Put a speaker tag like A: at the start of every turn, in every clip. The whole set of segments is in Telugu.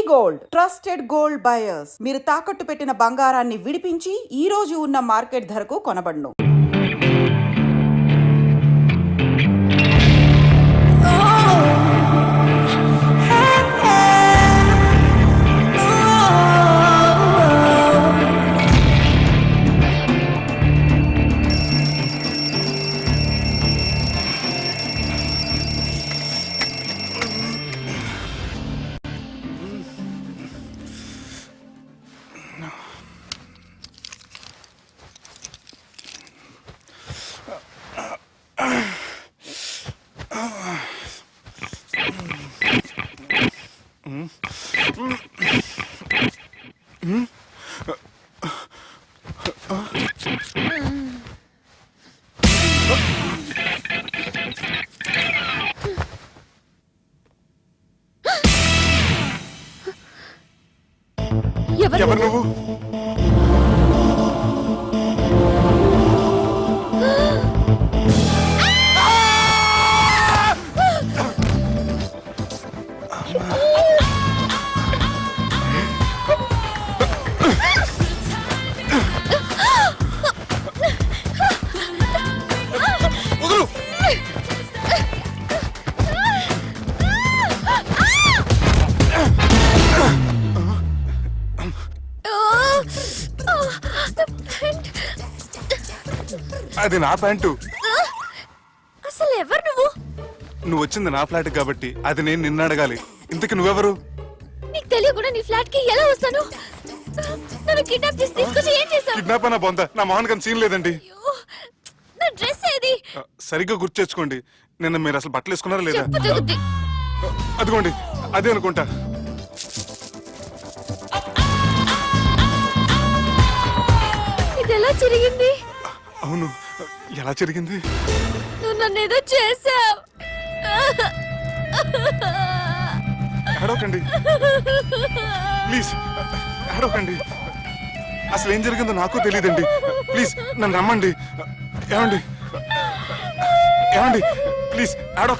A: Gold trusted gold buyers. మీరు తాకట్టు పెట్టిన బంగారాన్ని విడిపించి ఈ రోజు ఉన్న మార్కెట్ ధరకు కొనబడును.
B: ఎవరు నువ్వు? అది నా ప్యాంటు.
C: అసలు ఎవరు నువ్వు?
B: నువ్వు వచ్చింది నా ఫ్లాట్ కాబట్టి అది నేను నిన్ను అడగాలి. ఇంతకు నువ్వెవరు?
C: నీకు తెలియకుండా నీ ఫ్లాట్ కి ఎలా వస్తాను? నన్ను కిడ్నాప్ చేసి తీసుకొచ్చి ఏం చేశావు?
B: కిడ్నాప్ అన్న బొంద, నా మోహన్ కన్ సీన్ లేదండి.
C: నా డ్రెస్ ఏది?
B: సరిగ్గా గుర్తు తెచ్చుకోండి. నిన్న మీరు అసలు బట్టలు వేసుకున్నారా లేదా?
C: చెప్పు తెగుద్ది.
B: అదిగోండి అదే అనుకుంటా.
C: ఇది ఎలా జరిగింది?
B: అవును, ఎలా జరిగింది?
C: నువ్వు నన్ను ఏదో చేసావు.
B: ఏడవకండి ప్లీజ్, ఏడవకండి. అసలు ఏం జరిగిందో నాకు తెలియదండి. ప్లీజ్ నన్ను రమ్మండి. ఏమండి ఏమండి ప్లీజ్ ఏడవ.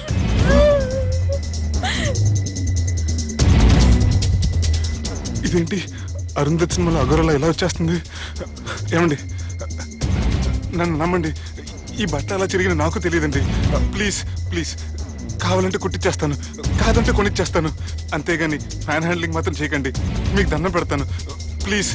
B: ఇదేంటి అరుంధతి సినిమాలో అగోరలా ఎలా వచ్చేస్తుంది? ఏమండి నన్ను నమ్మండి. ఈ బట్ట అలా తిరిగిన నాకు తెలియదండి. ప్లీజ్ ప్లీజ్, కావాలంటే కుట్టిచ్చేస్తాను, కాదంటే కొనిచ్చేస్తాను. అంతేగాని ఫ్యాన్ హ్యాండ్లింగ్ మాత్రం చేయకండి. మీకు దండం పెడతాను ప్లీజ్.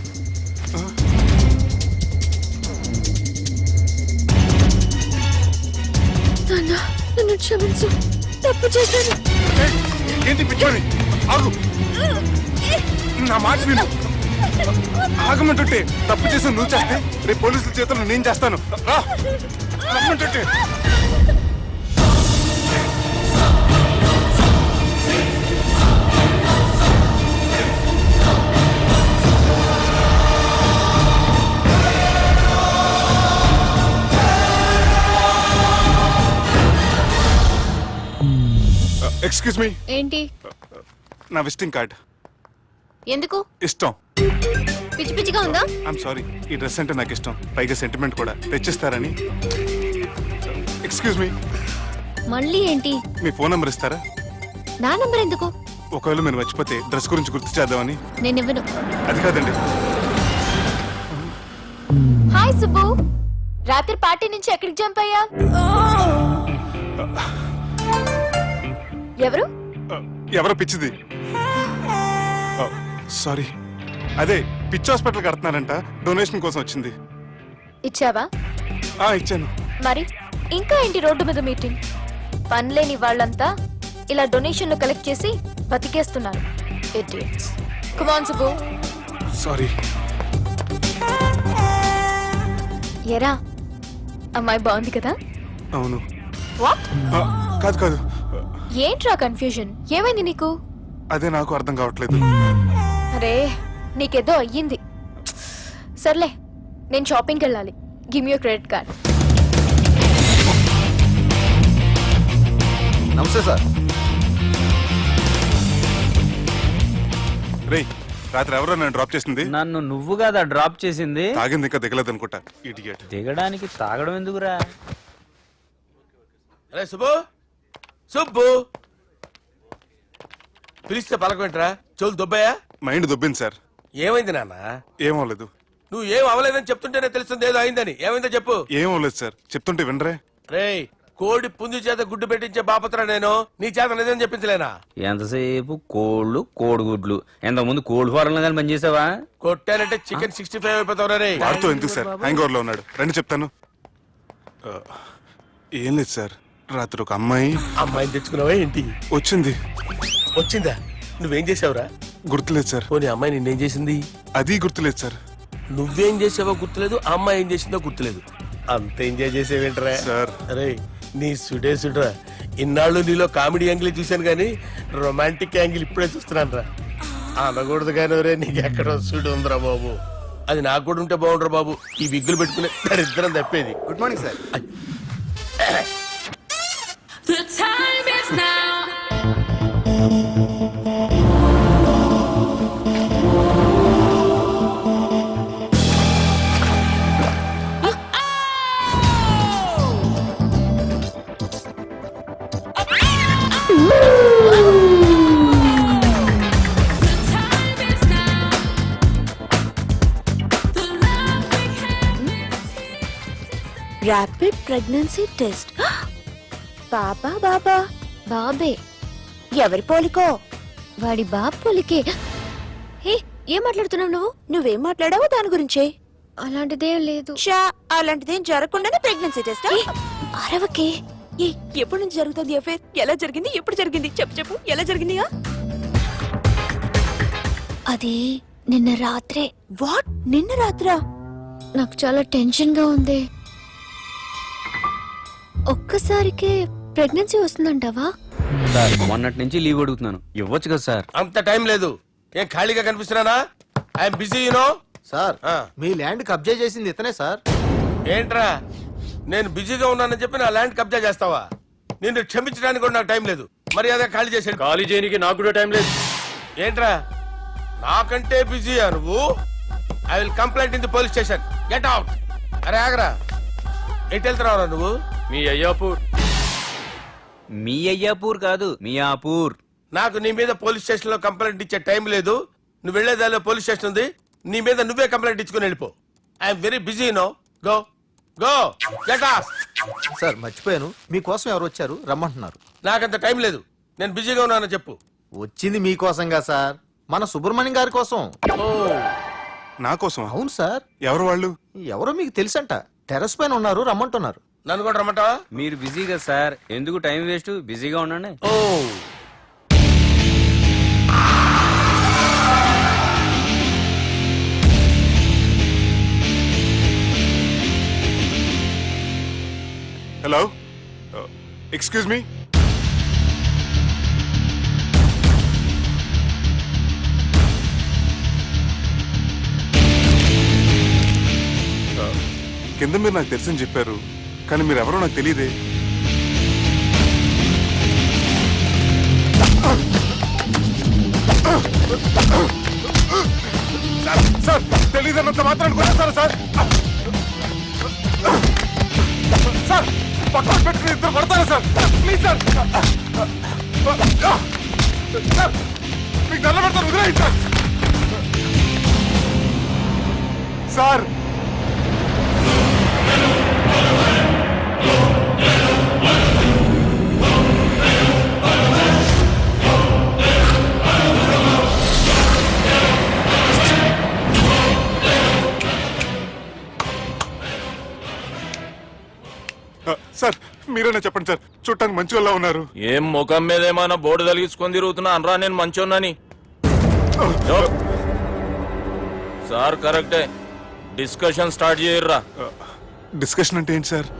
C: నన్ను క్షమించు, తప్పు చేశాను.
B: ఏంటి పిచ్చోని? ఆగు, నా మాట విను. ఆగమంటుంటే తప్పు చేసి నువ్వు చేస్తే రేపు పోలీసుల చేతుల్లో నేను చేస్తాను. రా రమ్మంటుంటే. Excuse me.
C: ఏంటి?
B: నా విజిటింగ్ కార్డ్.
C: ఎందుకు?
B: ఇష్టం.
C: పిచ్చి పిచ్చిగా ఉందా?
B: ఐఎమ్ సారీ, ఈ డ్రెస్ అంటే నాకు ఇష్టం, పైగా సెంటిమెంట్ కూడా. తెచ్చిస్తారని. Excuse me.
C: మళ్ళీ ఏంటి?
B: మీ ఫోన్ నెంబర్ ఇస్తారా?
C: నా నంబర్ ఎందుకు?
B: ఒకవేళ మీరు మర్చిపోతే డ్రెస్ గురించి గుర్తు చేద్దామని.
C: నేను ఇవ్వను.
B: అది కాదండి.
C: హాయ్ సుబ్బు, రాత్రి పార్టీ నుంచి ఎక్కడికి జంప్ అయ్యా? ఎవరు?
B: ఎవరో పిచ్చిది. సారీ, అదే పిచ్చి హాస్పిటల్ కడుతున్నారంట, డొనేషన్ కోసం వచ్చింది.
C: ఇచ్చావా?
B: ఇచ్చాను.
C: మరి ఇంకా ఏంటి రోడ్డు మీద మీటింగ్? పనిలేని వాళ్ళంతా ఇలా డొనేషన్లు కలెక్ట్ చేసి బతికేస్తున్నారు. Idiots. Come on Subbu.
B: Sorry.
C: ఎరా, అమ్మాయి బాగుంది కదా?
B: అవును.
C: వాట్?
B: కాదు కాదు.
C: ఏంట్రా కన్ఫ్యూజన్? ఏమైంది నీకు?
B: అదే నాకు అర్థం కావట్లేదు.
C: అరే, నీకేదో అయ్యింది. సర్లే, నేను షాపింగ్కి వెళ్ళాలి. Give me your credit card.
D: నమస్తే సార్.
B: రేయ్, రాత్రి ఎవరో నన్ను డ్రాప్ చేసింది?
E: నన్ను నువ్వు కదా డ్రాప్ చేసింది.
B: తాగింది ఇంకా దిగలేదు అనుకుంటా. ఇడియట్.
E: దిగడానికి తాగడం ఎందుకురా?
D: అరే సుబ్బు, సుబ్బు పిలిస్తే పలకమేంట్రా? చెవులు దొబ్బయా?
B: Mind దొబ్బింది sir.
D: ఏమైంది నాన్న?
B: ఏమవలేదు.
D: నువ్వు ఏం అవ్వలేదని చెప్తుంటేనే తెలుస్తుంది ఏదో అయిందని. ఏమైందో చెప్పు.
B: ఏమవలేదు సార్, చెప్తుంటే వినరే.
D: రేయ్, కోడి పుంజు చేత గుడ్డు పెట్టించే బాపత్ర నేను. నీ చేత నిజం చెప్పించలేనా?
E: ఎంతసేపు కోళ్ళు కోడిగుడ్లు. ఎంతకుముందు కోడి ఫారంలో కానీ పనిచేసావా?
D: కొట్టానంటే చికెన్ 65 అయిపోతావు రే.
B: వాడుతూ ఎందుకు సార్, హ్యాంగ్ ఓవర్ లో ఉన్నాడు. రండి చెప్తాను. ఏం లేదు సార్, రాత్రి ఒక
D: అమ్మాయిని తెచ్చుకున్నావా ఏంటి?
B: వచ్చింది.
D: వచ్చిందా? నువ్వేం చేసావురా?
B: గుర్తులేదు సార్.
D: పోనీ అమ్మాయి నిన్నేం చేసింది?
B: అది గుర్తులేదు సార్.
D: నువ్వేం చేసావో గుర్తులేదు, ఆ అమ్మాయి ఏం చేసిందో గుర్తులేదు. అంత ఎంజాయ్ చేసేవేంట్రా
B: సార్?
D: అరే నీ సుడే సుడ్రా. ఇన్నాళ్ళు నీలో కామెడీ యాంగిల్ చూశాను కానీ రొమాంటిక్ యాంగిల్ ఇప్పుడే చూస్తున్నాను రా. అనకూడదు కానీ రే, నీకు ఎక్కడ సుడు ఉందిరా బాబు. అది నాకు కూడా ఉంటే బాగుండ్రా బాబు. ఈ విగ్గులు పెట్టుకునే దరిద్రం తప్పేది.
F: Good morning sir.
G: The time is now.
H: Rapid pregnancy test. బాబా బాబా
C: బాబే.
H: ఎవరి పోలికో?
C: వాడి బాబ్ పోలికే. హే, ఏం మాట్లాడుతున్నావు నువ్వు?
H: నువ్వేం మాట్లాడావో దాని గురించే.
C: అలాంటిదేం లేదు.
H: షా, అలాంటిదేం జరగకుండానే ప్రెగ్నెన్సీ టెస్ట్?
C: అరవకే.
H: ఎప్పటి నుంచి జరుగుతుంది అఫేర్? ఎలా జరిగింది? ఎప్పుడు జరిగింది? చెప్పు చెప్పు, ఎలా జరిగింది?
C: అది నిన్న రాత్రే.
H: వాట్? నిన్న రాత్రా?
C: నాకు చాలా టెన్షన్ గా ఉంది. ఒక్కసారికే ప్రెగ్నెన్సీ వస్తుందంటావా?
E: సార్, మొన్నటి నుంచి లీవ్ అడుగుతున్నాను, ఇవ్వచ్చు కదా సార్?
D: అంత టైం లేదు. ఏం ఖాళీగా కనిపిస్తున్నానా? I'm busy you know.
F: సార్, మీ ల్యాండ్ కబ్జా చేసింది ఇతనే సార్.
D: ఏంట్రా, నేను బిజీగా ఉన్నానని చెప్పి నా ల్యాండ్ కబ్జా చేస్తావా? నిన్ను క్షమించడానికి కూడా నాకు టైం లేదు. మరి అదే ఖాళీ చేసాడు.
I: ఖాళీ చేయడానికి నాకు కూడా టైం లేదు.
D: ఏంట్రా, నాకంటే బిజీయా నువ్వు? I will complaint in the police station. Get out. అరే ఆగరా, ఎటు వెళ్తున్నావురా నువ్వు?
I: మీ అయ్యాపూర్.
E: మీ అయ్యాపూర్ కాదు, మియాపూర్.
D: నాకు నీ మీద పోలీస్ స్టేషన్ లో కంప్లైంట్ ఇచ్చే టైం లేదు. నువ్వు వెళ్లేదాలో పోలీస్ స్టేషన్ ఉంది. నీ మీద నువ్వే కంప్లైంట్ ఇచ్చుకుని వెళ్ళిపో. I'm very busy no. Go go get off.
F: Sir మర్చిపోయాను, మీకోసం ఎవరు వచ్చారు, రమ్మంటున్నారు.
D: నాకంత టైం లేదు, నేను బిజీగా ఉన్నానని చెప్పు.
F: వచ్చింది మీకోసంగా సార్, మన సుబ్రహ్మణ్యం గారి కోసం.
D: ఓ,
B: నా కోసం?
F: అవును సార్.
B: ఎవరు వాళ్ళు?
F: ఎవరో మీకు తెలుసంట, టెర్రస్ పైన ఉన్నారు, రమ్మంటున్నారు.
D: నన్ను కూడా రమ్మంటావా?
E: మీరు బిజీ కదా సార్, ఎందుకు టైం వేస్ట్, బిజీగా ఉండండి.
D: Oh,
B: hello, excuse me. కింద మీరు నాకు తెలుసని చెప్పారు, కానీ మీరు ఎవరో నాకు తెలియదే. సార్, తెలియదన్నంత మాత్రాన్ని కొట్టేస్తారా సార్? సార్, పక్కన పెట్టుకుని ఇద్దరు కొడతారా సార్? Please sir. సార్, మీకు నల్ల పెడతాను, వదిలేయండి సార్. సార్, సార్ మీరేనా చెప్పండి సార్, చూడటానికి మంచి వాళ్ళ ఉన్నారు.
I: ఏం ముఖం మీద ఏమైనా బోర్డు తలిగించుకొని తిరుగుతున్నా అనరా నేను మంచోన్నాని? సార్ కరెక్టే, డిస్కషన్ స్టార్ట్ చేయర్రా.
B: డిస్కషన్ అంటే ఏంటి సార్?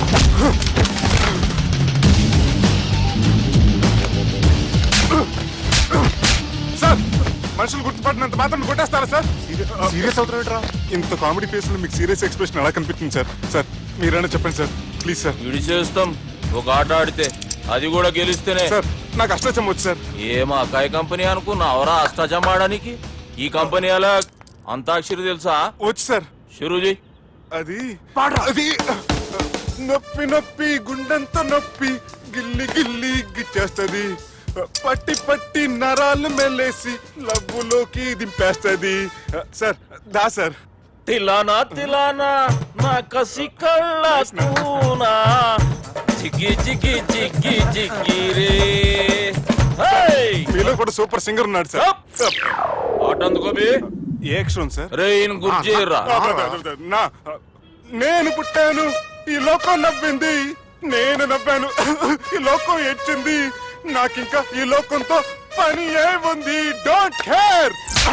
B: సార్, మనుషులు గుర్తుపట్టినంత మాత్రం కొట్టేస్తారా సార్? సీరియస్ అవుతారా? ఇంత కామెడీ ఫేస్ లో మీకు సీరియస్ ఎక్స్ప్రెషన్ ఎలా కనిపిస్తుంది సార్? సార్ మీరైనా చెప్పండి సార్, ప్లీజ్ సార్.
I: విడి చేస్తాం ఒక ఆట ఆడితే, అది కూడా గెలిస్తేనే.
B: సార్, నాకు అష్టాచం వచ్చు సార్.
I: ఏం అకాయ కంపెనీ అనుకున్నా అవరా అష్టాచం ఆడడానికి? ఈ కంపెనీ అలా అంతాక్షరి తెలుసా?
B: వచ్చు సార్.
I: షురూజీ.
B: అది అది నొప్పి నొప్పి గుండెంత నొప్పి గిల్లి గిల్లి గిచ్చేస్తుంది. పట్టి పట్టి నరాలు మెల్లేసి లవ్వులోకి దింపేస్తుంది సార్ దా సార్.
I: తిలానా తిలానా నా కసి కళ్ళ కూనా జిగ్గి జిగ్గి జిగ్గి జిగ్గి రే హై
B: మీలో కూడా సూపర్ సింగర్ ఉన్నాడు సార్.
I: పాట అందుకో బే
B: ఏ అక్షరం సార్?
I: రే ఈయన గుర్తు చేయరా
B: నా నేను పుట్టాను ఈ లోకం నవ్వింది, నేను నవ్వాను ఈ లోకం ఏడ్చింది, నాకింకా ఈ లోకంతో పని ఏముంది, డోంట్ కేర్.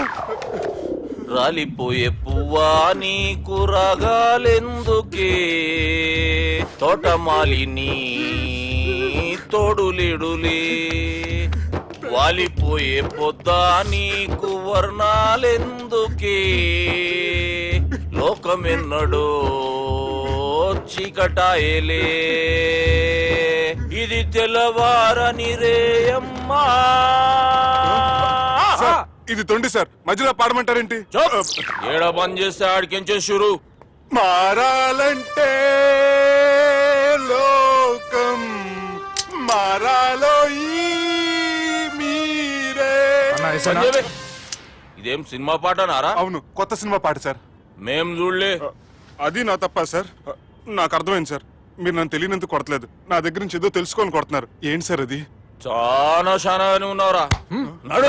I: రాలిపోయే పువ్వా నీకు రాగాలెందుకే తోటమాలిని తోడులిడులే వాలిపోయే పొద్దా నీకు వర్ణాలెందుకే లోకమెన్నడో చీకటాయలే ఇది తెల్లవారని రేయమ్మా.
B: సార్, ఇది తొండి సార్, మధ్యలో పాడమంటారేంటి?
I: ఏడా బంద్ చేస్తే ఆడికించే షురు.
B: మారాలంటే లోకం మారాలో ఈ మీరే.
I: సంజయ్, ఇదేం సినిమా పాట నారా?
B: అవును, కొత్త సినిమా పాట సార్.
I: మేం చూడలే.
B: అది నా తప్ప సార్. నాకు అర్థమైంది సార్, మీరు నన్ను తెలియనందుకు కొడతలేదు, నా దగ్గర నుంచి ఏదో తెలుసుకొని కొడుతున్నారు. ఏంటి సార్ అది?
I: చాలా శానాగానే ఉన్నావురా. నడు.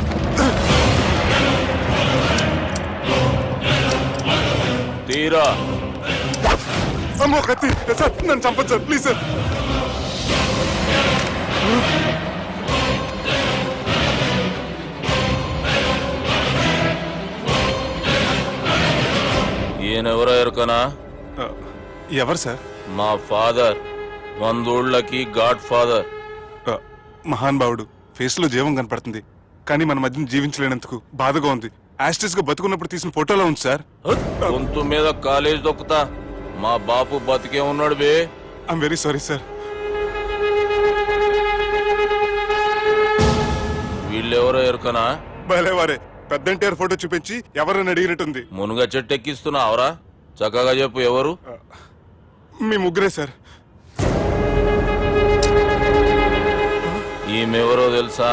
I: తీరా
B: అమ్మో కత్తి సార్, నన్ను చంపదు సార్, ప్లీజ్ సార్.
I: ఈయనెవరో ఎరుకనా?
B: ఎవరు సార్?
I: మా ఫాదర్, 100 గాడ్ ఫాదర్.
B: మహాన్ భావుడు, ఫేస్ లో జీవం కనపడుతుంది, కానీ మన మధ్యన జీవించలేనందుకు బాధగా ఉంది. యాస్టిస్ గా బతుకున్నప్పుడు తీసిన ఫోటోలో ఉంది సార్.
I: గొంతు మీద కాలేజ్ దొక్కుతా. మా బాపు బతికే ఉన్నాడు బే.
B: I'm very sorry sir.
I: వీళ్ళెవరో ఎరుకనా?
B: భలేవారే, పెద్ద ఎన్టీఆర్ ఫోటో చూపించి ఎవరని అడిగినట్టుంది.
I: మునుగ చెట్టు ఎక్కిస్తున్నావురా? చక్కగా చెప్పు ఎవరు?
B: మీ ముగ్గురే సార్.
I: ఈమెవరో తెలుసా?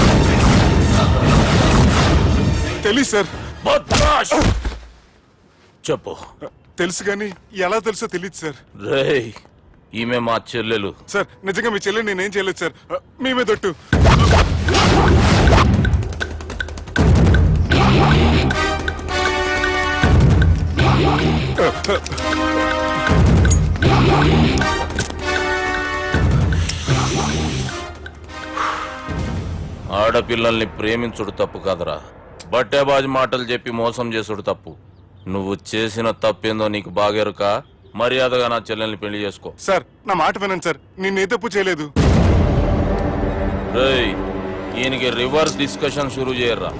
B: తెలీదు సార్.
I: బద్మాష్! చెప్పు.
B: తెలుసు కానీ ఎలా తెలుసో తెలియదు సార్.
I: రేయ్, ఈమె మా చెల్లెలు.
B: సార్ నిజంగా మీ చెల్లెని నేనేం చేయలేదు సార్, మీ మీద ఒట్టు.
I: ఆడపిల్లల్ని ప్రేమించుడు తప్పు కాదురా, బట్టేబాజు మాటలు చెప్పి మోసం చేసుడు తప్పు. నువ్వు చేసిన తప్పేందో నీకు బాగెరుక. మర్యాదగా నా చెల్లెల్ని పెళ్లి చేసుకో.
B: సార్ నా మాట వినండి సార్, నేను ఏ తప్పు చేయలేదు.
I: రేయ్, ఈయనకి రివర్స్ డిస్కషన్ షురూ చేయర్రా.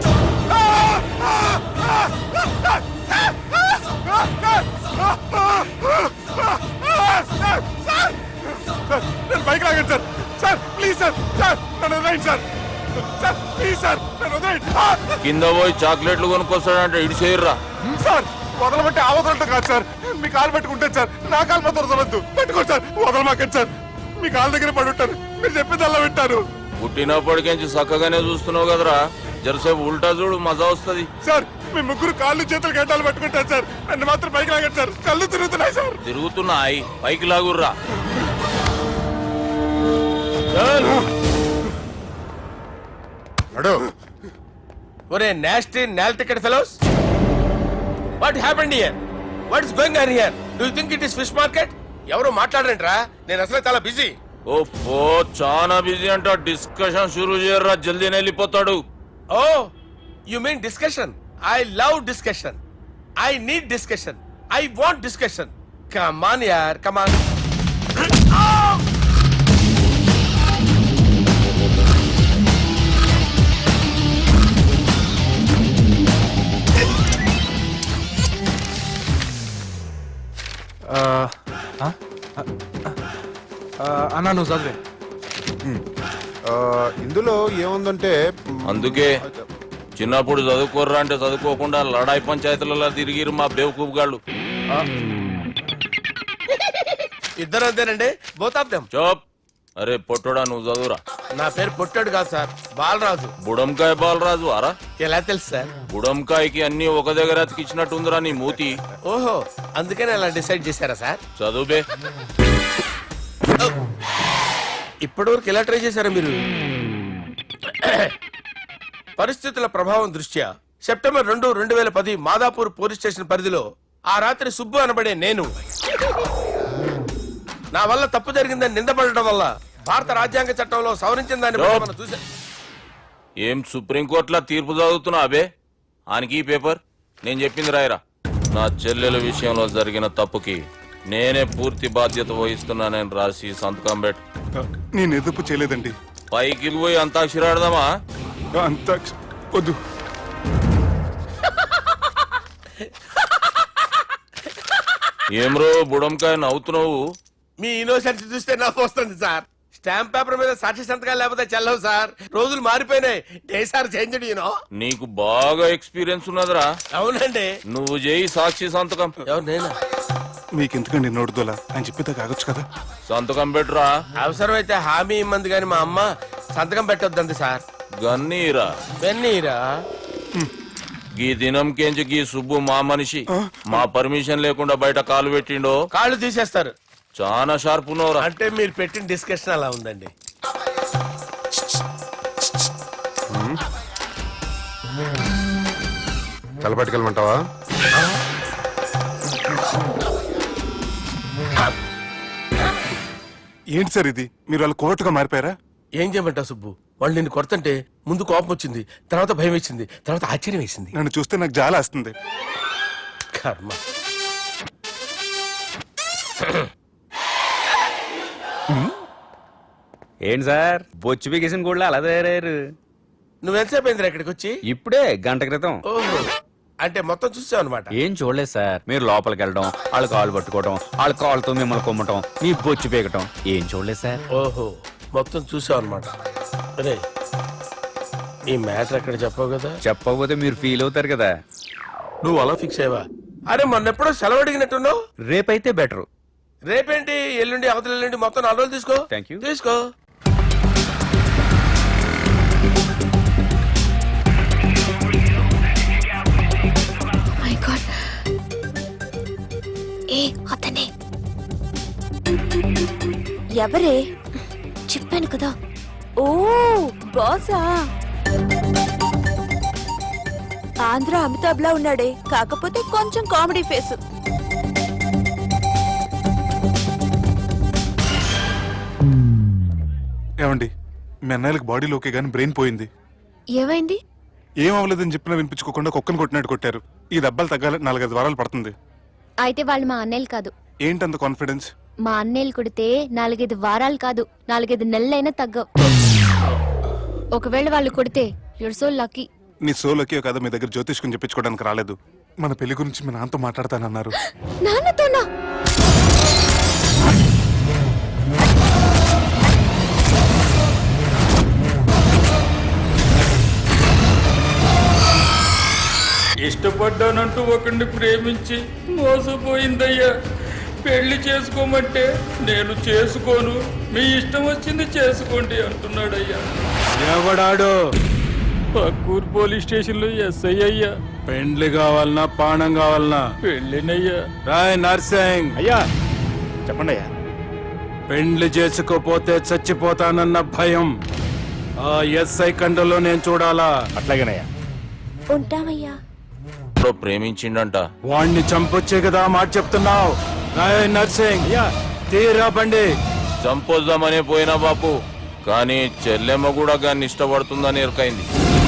B: సార్ నేను బైక్ లాగండి sir. Sir please sir, sir నన్ను వదిలేయండి సార్. సార్ ప్లీజ్ సార్, నన్ను వదిలేయండి.
I: కింద పోయి చాక్లెట్లు కొనుక్కొస్తాడంటే ఇటు చేయర్రా.
B: సార్ వదలమంటే ఆ వదలటం కాదు సార్, మీ కాలు పెట్టుకుంటాను సార్, నా కాలు మాత్రం వదలవద్దు. పెట్టుకోండి సార్, వదలమాకండి సార్, మీ కాలు దగ్గర పడి ఉంటారు, మీరు చెప్పేది అలా వింటారు.
I: పుట్టినప్పటికేంచి చక్కగానే చూస్తున్నావు కదరా, జరసేపు ఉల్టా చూడు, మజా వస్తుంది.
B: సార్ మీ ముగ్గురు కాళ్ళు చేతులు గంటలు పట్టుకుంటారు సార్, నన్ను మాత్రం బైక్ లాగండి సార్, కళ్ళు తిరుగుతున్నాయి సార్.
I: తిరుగుతున్నాయి, పైకి లాగుర్రా.
D: ఒరే నాస్టీ నాల్ ticket fellows, what happened here? What is going on here? Do you think it is fish market? ఎవరు మాట్లాడరంట్రా, నేను అసలే చాలా బిజీ.
I: ఓ చాలా బిజీ అంట. డిస్కషన్ షురూ చేయర్రా, జల్దీనే వెళ్ళిపోతాడు.
D: Oh you mean discussion? I love discussion, I need discussion, I want discussion. Come on యార్, కమ్ ఆన్.
F: అన్నా నువ్వు చదివే. ఇందులో ఏముందంటే
I: అందుకే చిన్నప్పుడు చదువుకోర్రా అంటే చదువుకోకుండా లడాయి పంచాయతీలలో తిరిగిరు మా బేవకూఫ్ గాళ్ళు.
D: ఇద్దరు అంతేనండి, బోత్ ఆఫ్ దెమ్.
I: చోప్. అరే పొట్టోడా, నువ్వు చదువురా.
D: నా పేరు పొట్టాడు కాదు సార్, బాలరాజు.
I: బుడంకాయ బాలరాజు అరా?
D: ఎలా తెలుసు సార్?
I: బుడంకాయకి అన్ని ఒక దగ్గర అతికిచ్చినట్టుందిరా నీ మూతి.
D: ఓహో, అందుకని అలా డిసైడ్ చేశారా సార్?
I: చదువుబే.
D: ఇప్పటివరకు ఎలా ట్రై చేశారా మీరు? పరిస్థితుల ప్రభావం దృష్ట్యా సెప్టెంబర్ 2, 2010 మాదాపూర్ పోలీస్ స్టేషన్ పరిధిలో ఆ రాత్రి సుబ్బు అనబడే నేను నా వల్ల తప్పు జరిగిందని నిందపడటం వల్ల భారత రాజ్యాంగ చట్టంలో సవరించిన దాన్ని బట్టి మనం చూసా.
I: ఏం సుప్రీంకోర్టులో తీర్పు చదువుతున్నా అబే? ఆనికి ఈ పేపర్ నేను చెప్పింది రాయరా. నా చెల్లెల విషయంలో జరిగిన తప్పుకి నేనే పూర్తి బాధ్యత వహిస్తున్నానని రాసి సంతకం పెట్టు.
B: నేను ఎదుపు చేయలేదండి.
I: పైకి పోయి అంతాక్షరి ఆడదామా?
B: అంత వద్దు.
I: ఏం రో బుడంకాయ నవ్వుతున్నావు?
D: మీ ఇన్నోసెన్స్ చూస్తే నాకు వస్తుంది సార్. స్టాంప్ పేపర్ మీద సాక్షి సంతకాలు లేకపోతే చెల్లవు సార్. రోజులు మారిపోయినాయి. Day sir change you know.
I: నీకు బాగా ఎక్స్పీరియన్స్ ఉన్నదిరా.
D: అవునండి.
I: నువ్వు చేయి సాక్షి సంతకం.
D: ఎవరు నేనా?
B: మీకు ఎందుకండి నోడుదోలా? ఆయన చెప్పేదా కాగొచ్చు కదా.
I: సంతకం పెట్టురా.
D: అవసరమైతే హామీ ఇమ్మంది కానీ మా అమ్మ సంతకం పెట్టొద్దండి సార్.
I: గన్నీరా
D: వెన్నీరా?
I: గీ దినంకేంచి గీ సుబ్బు మా మనిషి. మా పర్మిషన్ లేకుండా బయట కాలు పెట్టిండో
D: కాళ్ళు తీసేస్తారు.
I: చాలా షార్ప్ ఉన్నవరా.
D: అంటే మీరు పెట్టిన డిస్కషన్ అలా ఉందండి.
F: తలపట్టుకెళ్ళమంటావా?
B: ఏంటి సార్ ఇది? మీరు వాళ్ళ కోర్టుగా మారిపోయారా?
D: ఏం చేయమంటావు సుబ్బు? వాళ్ళు నిన్ను కొడుతుంటే ముందు కోపం వచ్చింది, తర్వాత భయం వేసింది, తర్వాత ఆశ్చర్యం వేసింది.
B: నన్ను చూస్తే నాకు జాల వస్తుంది.
D: కర్మ.
E: ఏంటి సార్ బొచ్చు బిగేసిన కూడా అలా తయారయ్యారు?
D: నువ్వెంతసేపు అయిందిరా ఇక్కడికి వచ్చి?
E: ఇప్పుడే గంట క్రితం.
D: ఓహో, అంటే మొత్తం చూసావు అనమాట.
E: ఏం చూడలేదు సార్. మీరు లోపలికి వెళ్ళడం, వాళ్ళ కాళ్ళు పట్టుకోవడం, వాళ్ళ కాళ్ళతో మిమ్మల్ని కొమ్మటం, మీ బొచ్చు పీకటం ఏం చూడలేదు సార్.
D: ఓహో, మొత్తం చూసావు అనమాట. అరే, ఈ మ్యాటర్ ఎక్కడ చెప్పావు కదా?
E: చెప్పకపోతే మీరు ఫీల్ అవుతారు కదా.
D: నువ్వు అలా ఫిక్స్ అయ్యవా? అరే, మొన్నెప్పుడో సెలవు అడిగినట్టున్నావు.
E: రేపైతే బెటర్.
D: రేపేంటి? ఎల్లుండి, అవతల ఎల్లుండి, మొత్తం 4 రోజులు తీసుకో.
E: Thank you.
D: తీసుకో.
C: మై గాడ్, ఏ అతనే
H: ఎవరే?
C: చెప్పాను కదా.
H: ఓ బాసా. ఆంధ్ర అమితాబ్ లా ఉన్నాడే, కాకపోతే కొంచెం కామెడీ ఫేస్.
B: ఏమండి, మీ అన్నయ్యలకు బాడీలో ఓకే కానీ బ్రెయిన్ పోయింది.
C: ఏమైంది?
B: ఏం అవ్వలేదని చెప్పినా వినిపించుకోకుండా కుక్కను కొట్టినట్టు కొట్టారు. ఈ దెబ్బలు తగ్గాలి 4-5 వారాలు పడుతుంది.
C: అయితే వాళ్ళు మా అన్నయ్యలు కాదు.
B: ఏంటంత కాన్ఫిడెన్స్?
C: మా అన్నయ్యలు కొడితే 4-5 వారాలు కాదు, 4-5 నెలలైనా తగ్గవు. ఒకవేళ వాళ్ళు కొడితే యూర్ సో లక్కీ.
B: నీ సోలోకి కదా మీ దగ్గర జ్యోతిష్కుని చెప్పించుకోవడానికి రాలేదు. మన పెళ్లి గురించి మీ నాన్నతో మాట్లాడతానన్నారు.
C: నాన్నతోనా?
J: ఇష్టపడ్డానంటూ ఒకరిని ప్రేమించి మోసపోయిందయ్యా. పెళ్లి చేసుకోమంటే నేను చేసుకోను, మీ ఇష్టం వచ్చింది చేసుకోండి అంటున్నాడయ్యా.
K: ఎవడాడు?
J: పక్కూరు పోలీస్ స్టేషన్ లో ఎస్ఐ అయ్యా.
K: పెండ్లి కావాలనా పానం కావాలనా?
J: పెళ్ళినయ్యా.
K: రాయ్ నర్సింగ్.
J: అయ్యా చెప్పండి అయ్యా.
K: పెండ్లి చేసుకోపోతే చచ్చిపోతానన్న భయం ఆ ఎస్ఐ కండలో నేను చూడాలా?
J: అట్లాగేనయ్యా.
H: ఉంటామయ్యా.
I: ప్రేమించిండంట.
K: వాణ్ణి చంపొచ్చే కదా మాట చెప్తున్నావు? రాయ్ నర్సింగ్, తీరా బండి.
I: చంపొద్దామనే పోయినా బాపు, కానీ చెల్లెమ్మ కూడా గాన్ని ఇష్టపడుతుందని ఎరకైంది.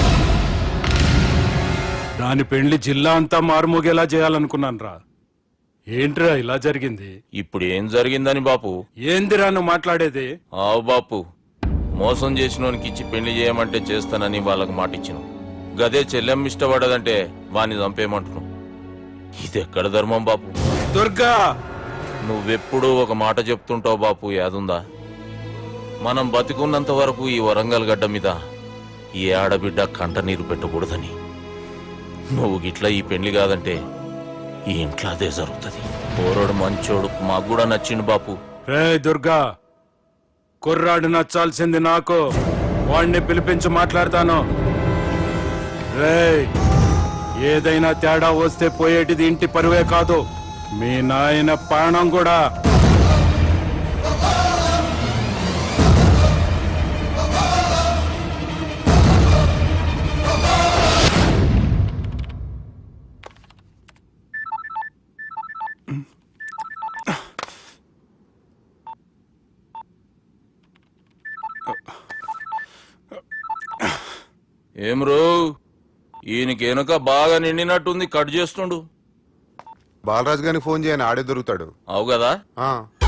K: దాని పెండ్లి జిల్లా అంతా మారుమోగేలా చేయాలనుకున్నాను రా. ఏంట్రా ఇలా జరిగింది?
I: ఇప్పుడు ఏం జరిగిందని బాపు?
K: ఏందిరా నువ్వు మాట్లాడేది?
I: ఆవు బాపు, మోసం చేసినోనికి ఇచ్చి పెళ్లి చేయమంటే చేస్తానని వాళ్ళకి మాటిచ్చిన. గదే చెల్లెమ్మ ఇష్టపడదంటే వాణ్ణి చంపేయమంటున్నావు. ఇది ఎక్కడ ధర్మం బాపు?
K: దుర్గా,
I: నువ్వెప్పుడూ ఒక మాట చెప్తుంటావు బాపు, యాదుందా? మనం బతికున్నంత వరకు ఈ వరంగల్ గడ్డ మీద ఈ ఆడబిడ్డ కంట నీరు పెట్టకూడదని. నువ్వు గిట్లా ఈ పెళ్లి కాదంటే ఈ ఇంట్లో అదే జరుగుతుంది. పోరోడు మంచోడు, మాకు కూడా నచ్చిండు బాపు.
K: రే దుర్గా, కుర్రాడు నచ్చాల్సింది నాకు. వాడిని పిలిపించి మాట్లాడతాను. రేయ్, ఏదైనా తేడా వస్తే పోయేటిది ఇంటి పరువే కాదు, మీ నాయన ప్రాణం కూడా.
I: ఏం రో ఈయనకి వెనుక బాగా నిండినట్టుంది, కట్ చేస్తుండు.
F: బాలరాజు గారిని ఫోన్ చేయని ఆడే దొరుకుతాడు.
I: అవు కదా.
F: ఆ.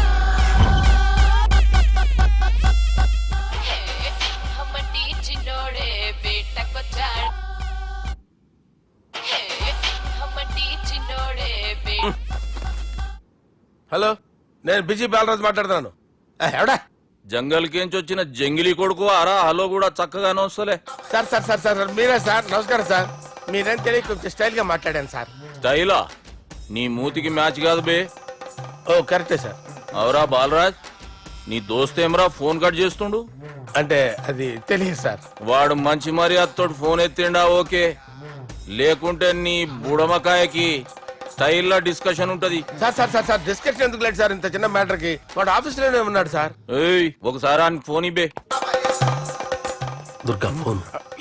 D: హలో, నేను బిజీ బాలరాజు మాట్లాడుతున్నాను. ఎవడా?
I: జంగల్కేంచి వచ్చిన జంగిలీ కొడుకు అరా హలో కూడా చక్కగానే వస్తలే.
D: సార్ సార్ సార్ సార్ మీరే సార్? నమస్కారం సార్. మీరేం తెలియక కొంచెం స్టైల్ గా మాట్లాడాను సార్.
I: స్టైలా? నీ మూతికి మ్యాచ్ కాదు బే.
D: ఓ కరెక్టే సార్.
I: అవరా బాలరాజ్, నీ దోస్త్ ఏమరా ఫోన్ కట్ చేస్తుండు?
D: అంటే అది తెలియదు సార్.
I: వాడు మంచి మర్యాదతో ఫోన్ ఎత్తిండా ఓకే, లేకుంటే నీ బుడమకాయకి స్టైల్లో డిస్కషన్ ఉంటది.
D: Sir sir sir sir discussion ఎందుకు లేదు సార్? ఇంత చిన్న మ్యాటర్ కి వాడు ఆఫీస్ లోనే ఉన్నాడు సార్.
I: ఏయ్ ఒకసారి ఆయనకి ఫోన్ ఇబ్బే.
D: దుర్గా ఫోన్.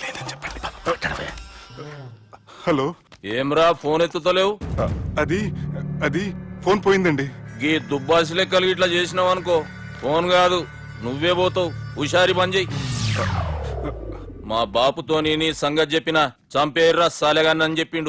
B: హలో.
I: ఏమ్రా ఫోన్ ఎత్తుతలేవు?
B: అది అది ఫోన్ పోయిందండి.
I: గీ దుబ్బాసి లెక్కలు ఇట్లా చేసినావు అనుకో, ఫోన్ కాదు నువ్వే పోతావు. హుషారి బంద్ చెయ్యి. మా బాపుతో నీ సంగతి చెప్పిన చంపేర్రా సాలెగాన్ని చెప్పిండు.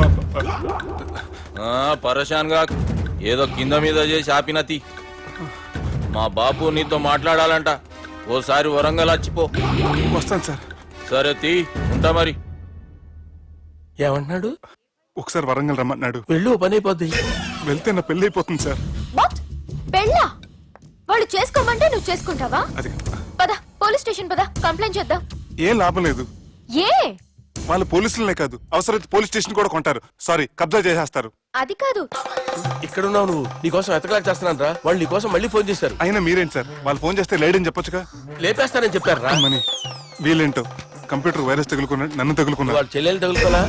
I: పరేషాన్ గా ఏదో కింద మీద చేసి ఆపినతి. మా బాపు నీతో మాట్లాడాలంట, ఓసారి వరంగల్ వచ్చిపో.
B: వస్తాను సార్.
I: సరే తీ, ఉంటా మరి.
D: ఏమంటున్నాడు?
B: ఒకసారి వరంగల్ రమ్మన్నాడు.
D: వెళ్ళు, పని అయిపోద్ది.
B: వెళ్తే నా పెళ్లి అయిపోతుంది సార్.
C: వాట్? పెళ్ళా? వాళ్ళు చేసుకోమంటే నువ్వు చేసుకుంటావా?
B: అది
C: పద పోలీస్ స్టేషన్ పద, కంప్లైంట్ చేద్దాం.
B: ఏం లాభం లేదు.
C: ఏ?
B: వాళ్ళు పోలీసులనే కాదు, అవసరమైతే పోలీస్ స్టేషన్ కూడా కొంటారు. సారీ, కబ్జా చేసేస్తారు.
C: అది కాదు.
D: ఇక్కడున్నావు నువ్వు, నీకోసం ఎతకలేక చేస్తున్నాను రా. వాళ్ళు నీకోసం మళ్ళీ ఫోన్ చేశారు.
B: అయినా మీరేంటి సార్, వాళ్ళు ఫోన్ చేస్తే లేడని చెప్పొచ్చుగా.
D: లేపేస్తానని చెప్పారు రా.
B: మని వీళ్ళేంటో కంప్యూటర్ వైరస్ తగులుకున్నాడు, నన్ను తగులుకున్నాడు.
D: వాళ్ళ చెల్లెలు తగులుకోలా?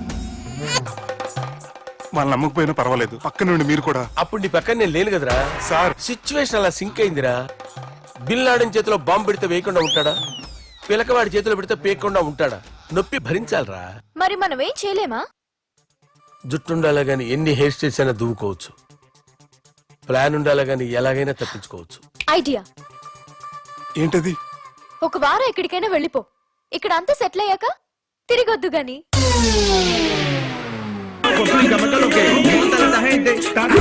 B: వాళ్ళు నమ్మకపోయినా పర్వాలేదు, పక్క నుండి మీరు కూడా.
D: అప్పుడు నీ పక్కన నేను లేను కదరా
B: సార్.
D: సిచ్యువేషన్ అలా సింక్ అయిందిరా. బిల్ లాడెన్ చేతిలో బాంబు పెడితే వేయకుండా ఉంటాడా? పిలకవాడి చేతిలో పెడితే పేయకుండా ఉంటాడా? నొప్పి భరించాలరా.
C: మరి మనం ఏం చేయలేమా?
D: జుట్టుండాలా గాని ఎన్ని హెయిర్ స్టైల్స్ అయినా దువ్వుకోవచ్చు. ప్లాన్ ఉండాలా గాని ఎలాగైనా తప్పించుకోవచ్చు.
C: ఐడియా
B: ఏంటది?
C: ఒక వారం ఎక్కడికైనా వెళ్ళిపో. ఇక్కడ అంతా సెటిల్ అయ్యాక తిరిగొద్దు గాని.